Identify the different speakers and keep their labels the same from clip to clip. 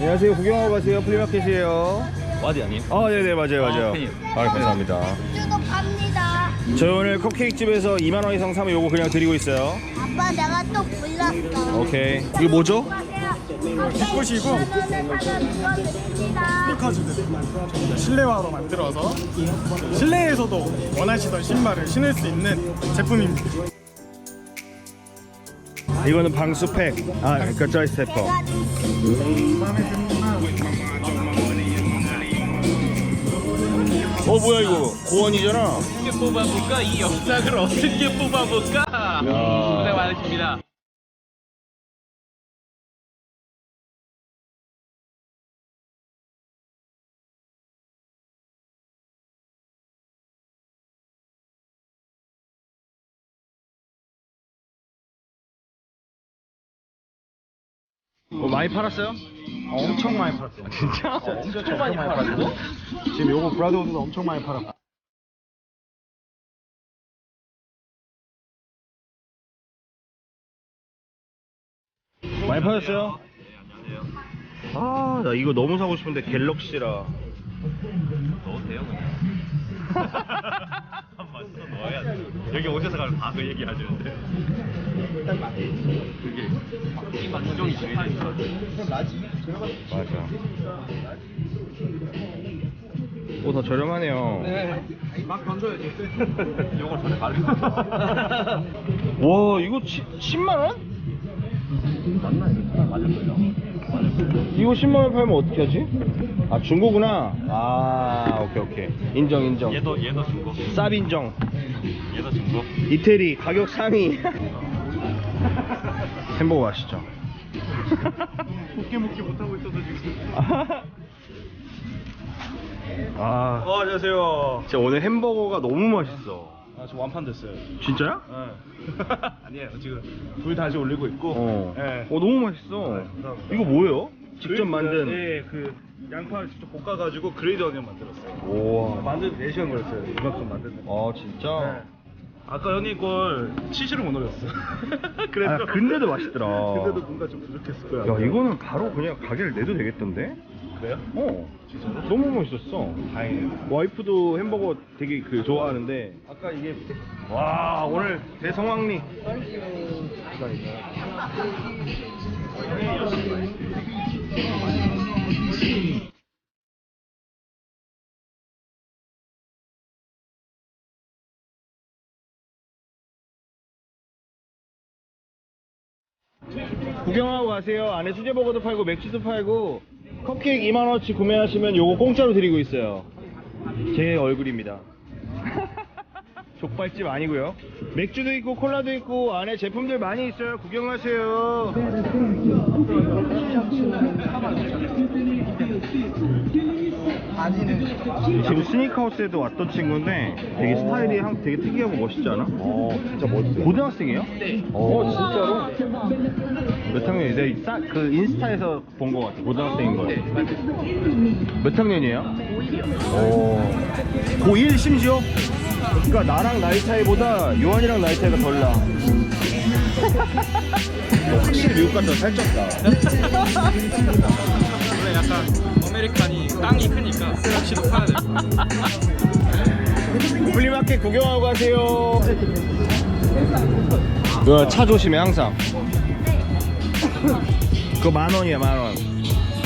Speaker 1: 안녕하세요. 구경하고 가세요. 플리마켓이에요.
Speaker 2: 와디 아니에요?
Speaker 1: 아, 네네, 맞아요.
Speaker 2: 팬이요.
Speaker 1: 감사합니다.
Speaker 3: 주도 갑니다.
Speaker 1: 저희 오늘 컵케이크 집에서 2만원 이상 사면 요거 그냥 드리고 있어요.
Speaker 3: 아빠 내가 또 불렀어.
Speaker 1: 오케이. 이거 뭐죠?
Speaker 3: 기쁘시고
Speaker 4: 스니커즈들 실내화로 만들어서 실내에서도 원하시던 신발을 신을 수 있는 제품입니다.
Speaker 1: 이거는 방수팩. 아, 그러니까 드라이 스태퍼. 뭐야 이거? 고원이잖아.
Speaker 2: 어떻게 뽑아볼까? 이 영상을 어떻게 뽑아볼까? 고생 많으십니다.
Speaker 1: 많이 팔았어요?
Speaker 4: 엄청 많이 팔았어요.
Speaker 1: 진짜?
Speaker 2: 진짜 많이 팔았어?
Speaker 4: 지금 요거 브라더우드도 엄청 많이 팔았고.
Speaker 1: 많이 팔았어요? 아, 나 이거 너무 사고 싶은데 갤럭시라.
Speaker 2: 넣어도 돼요 그냥. 한번 써 넣어야 돼. 여기 오셔서 가면 다 그 얘기 하시는데. 그게 바퀴가 고정이 제일 좋아.
Speaker 1: 맞아. 오, 더 저렴하네요.
Speaker 4: 막 던져야지.
Speaker 2: 요걸 전에 가려.
Speaker 1: 와, 이거 10만원?
Speaker 2: 맞나 이거? 맞을 거예요.
Speaker 1: 이거 10만원 팔면 어떻게 하지? 아, 중고구나. 아, 오케이. 인정.
Speaker 2: 얘도 중고.
Speaker 1: 쌉 인정.
Speaker 2: 얘도 중고.
Speaker 1: 이태리 가격 상위. 햄버거 맛있죠?
Speaker 4: 먹게 못하고 있어서 지금.
Speaker 1: 아,
Speaker 4: 안녕하세요.
Speaker 1: 진짜 오늘 햄버거가 너무 맛있어.
Speaker 4: 저 완판 됐어요.
Speaker 1: 진짜야?
Speaker 4: 아니에요. 지금 불 다시 올리고 있고. 네.
Speaker 1: 너무 맛있어.
Speaker 4: 감사합니다.
Speaker 1: 이거 뭐예요? 직접 만든.
Speaker 4: 네, 그 양파를 직접 볶아가지고 그레이드 어니언 만들었어요.
Speaker 1: 우와.
Speaker 4: 만드는 4시간 걸렸어요. 이만큼 만드는.
Speaker 1: 아, 진짜?
Speaker 4: 아까 형님 걸 치즈를 못 올렸어. 그래서
Speaker 1: 아, 근데도 맛있더라.
Speaker 4: 근데도 뭔가 좀 부족했을 거야.
Speaker 1: 야, 이거는 바로 그냥 가게를 내도 되겠던데?
Speaker 4: 그래요?
Speaker 1: 진짜로? 너무 멋있었어.
Speaker 4: 다행이네.
Speaker 1: 와이프도 햄버거 되게 좋아하는데.
Speaker 4: 아까 이게
Speaker 1: 와, 오늘 대성황리. 구경하고 가세요. 안에 수제버거도 팔고 맥주도 팔고 컵케이크 2만원어치 구매하시면 요거 공짜로 드리고 있어요. 제 얼굴입니다. 족발집 아니고요. 맥주도 있고 콜라도 있고 안에 제품들 많이 있어요. 구경하세요. 지금 스니커하우스에도 왔던 친구인데 되게 스타일이 되게 특이하고 멋있지 않아? 진짜 멋있어. 고등학생이에요? 네. 진짜로? 몇 학년이에요? 내가 그 인스타에서 본 것 같아. 고등학생인 거. 몇 학년이에요? 고1이요. 고1 심지어? 그러니까 나랑 나이 차이보다 요한이랑 나이 차이가 덜 나. 확실히 미국 갔다 살쪘다.
Speaker 4: 원래 약간 아메리칸이 땅이 크니까 역시 높아야 돼.
Speaker 1: 플리마켓 구경하고 가세요. 그거 차 조심해 항상. 그거 10,000원이야 10,000원.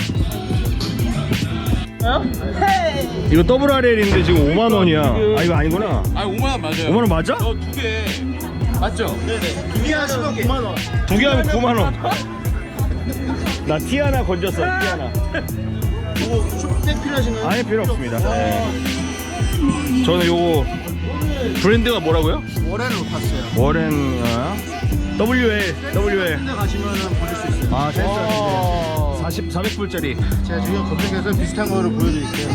Speaker 1: 이거 더블 RL인데 지금 5만원이야. 아, 이거 아니구나.
Speaker 4: 아 5만 원 맞아요.
Speaker 1: 5만원 맞아?
Speaker 4: 두 개 맞죠? 네네. 두 개 하시면 9만 원.
Speaker 1: 두 개 하면 9만원. 나 티 하나 건졌어. 티 하나.
Speaker 4: 이거 슈퍼백 필요하신가요?
Speaker 1: 아니, 필요 없습니다. 네. 저는 요거 브랜드가 뭐라고요?
Speaker 4: 월에는 봤어요.
Speaker 1: 워렌 WL.
Speaker 4: 근데 가시면은 보실 수 있어요.
Speaker 1: 아, 센서 400불짜리.
Speaker 4: 제가 지금 검색해서 비슷한 거를 보여드릴게요.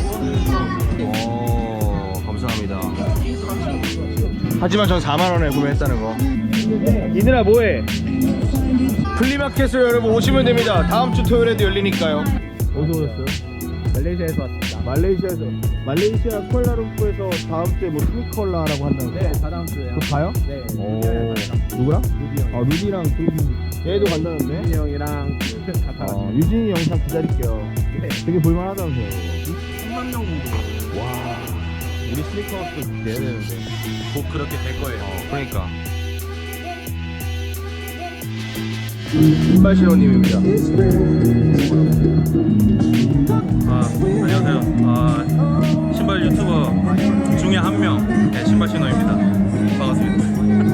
Speaker 1: 오, 감사합니다. 하지만 전 4만원에 구매했다는 거. 이들아 뭐해? 플리마켓으로 여러분 오시면 됩니다. 다음 주 토요일에도 열리니까요. 어디서 오셨어요?
Speaker 4: 말레이시아에서 왔습니다.
Speaker 1: 말레이시아 쿠알라룸푸르에서 다음 주에 뭐 스니컬라라고 한다는데.
Speaker 4: 네, 다다음 주에요.
Speaker 1: 그거 가요?
Speaker 4: 네.
Speaker 1: 오, 누구랑?
Speaker 4: 루디 형.
Speaker 1: 아, 루디랑 그 얘도 간다는데?
Speaker 4: 유진이 형이랑 다
Speaker 1: 유진이 영상 기다릴게요. 되게 볼만하다면서요.
Speaker 4: 3만 명 정도.
Speaker 1: 와, 우리 스니커스도 내야 되는데.
Speaker 4: 곧 그렇게 될 거예요.
Speaker 1: 그러니까. 신발 신호님입니다.
Speaker 4: 안녕하세요. 신발 유튜버 중에 한 명, 네, 신발 신호입니다. 반갑습니다.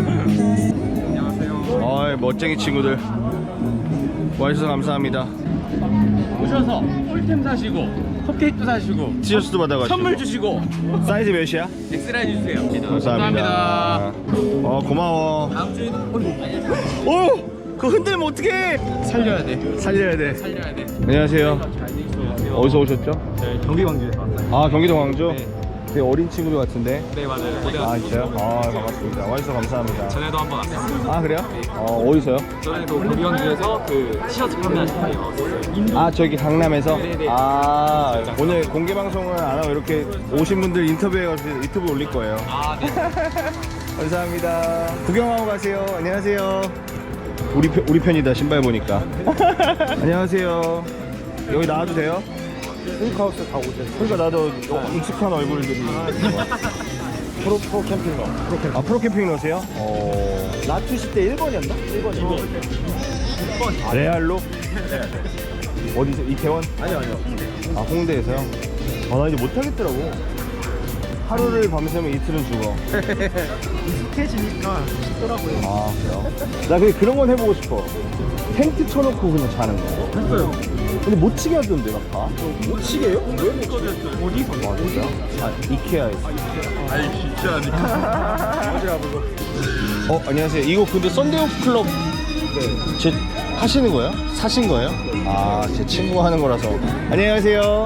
Speaker 4: 안녕하세요.
Speaker 1: 아이, 멋쟁이 친구들. 와주셔서 감사합니다.
Speaker 4: 오셔서 꿀템 사시고 컵케이크도 사시고
Speaker 1: 티셔츠도 받아가지고.
Speaker 4: 선물 주시고
Speaker 1: 사이즈 몇이야?
Speaker 4: 엑스라이 주세요.
Speaker 1: 감사합니다. 고마워.
Speaker 4: 다음 주에도
Speaker 1: 오! 그거 흔들면 어떡해!
Speaker 4: 살려야 돼.
Speaker 1: 살려야 돼.
Speaker 4: 살려야 돼.
Speaker 1: 안녕하세요. 어디서 오셨죠?
Speaker 4: 네, 경기 광주에서 왔어요.
Speaker 1: 아, 경기도 광주?
Speaker 4: 네.
Speaker 1: 되게 어린 친구들 같은데.
Speaker 4: 네, 맞아요. 고대
Speaker 1: 아, 진짜요? 아, 반갑습니다. 와주셔서 감사합니다.
Speaker 4: 전에도 한번 왔어요.
Speaker 1: 아, 그래요? 어디서요?
Speaker 4: 전에도 경기 광주에서 그 티셔츠 판매하시는 분이 왔어요.
Speaker 1: 아, 저기 강남에서?
Speaker 4: 네네.
Speaker 1: 아, 오늘 공개 방송을 안 하고 이렇게 오신 분들 인터뷰해가지고 유튜브에 올릴 거예요.
Speaker 4: 아, 네.
Speaker 1: 감사합니다. 구경하고 가세요. 안녕하세요. 우리 편이다, 신발 보니까. 안녕하세요. 여기 나와도 돼요? 스니커하우스 다 오세요. 그러니까 나도 익숙한 얼굴들이. 프로 캠핑러. 아, 프로 캠핑러세요? 나투시 때 1번이었나? 1번이요. 레알로? 어디서? 이태원? 아니요. 아, 홍대에서요? 아, 나 이제 못하겠더라고. 하루를 밤새면 이틀은 죽어.
Speaker 4: 익숙해지니까 쉽더라고요.
Speaker 1: 아, 그래요? 나 그런 건 해보고 싶어. 텐트 쳐놓고 그냥 자는 거.
Speaker 4: 했어요.
Speaker 1: 근데 못 치게 하던데, 막 다.
Speaker 4: 못 치게요? 왜 못 치겠어요? 어디서?
Speaker 1: 아, 진짜? 아, 이케아에서.
Speaker 4: 아니, 진짜 아니야. 어디라 불러?
Speaker 1: 안녕하세요. 이거 근데 썬데이오프 클럽 제 하시는 거예요? 사신 거예요? 아, 제 친구가 하는 거라서. 안녕하세요.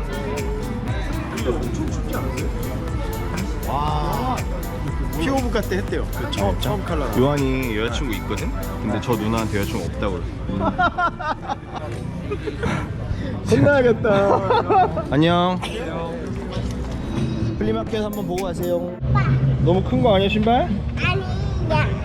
Speaker 1: 와,
Speaker 5: 피오브카 때 했대요. 그 처음 칼라.
Speaker 1: 요한이 여자친구 있거든? 근데 저 누나한테 여자친구 없다고 그래. 혼나야겠다. 안녕. 플리마켓 한번 보고 가세요. 너무 큰 거 아니야, 신발?
Speaker 3: 아니야.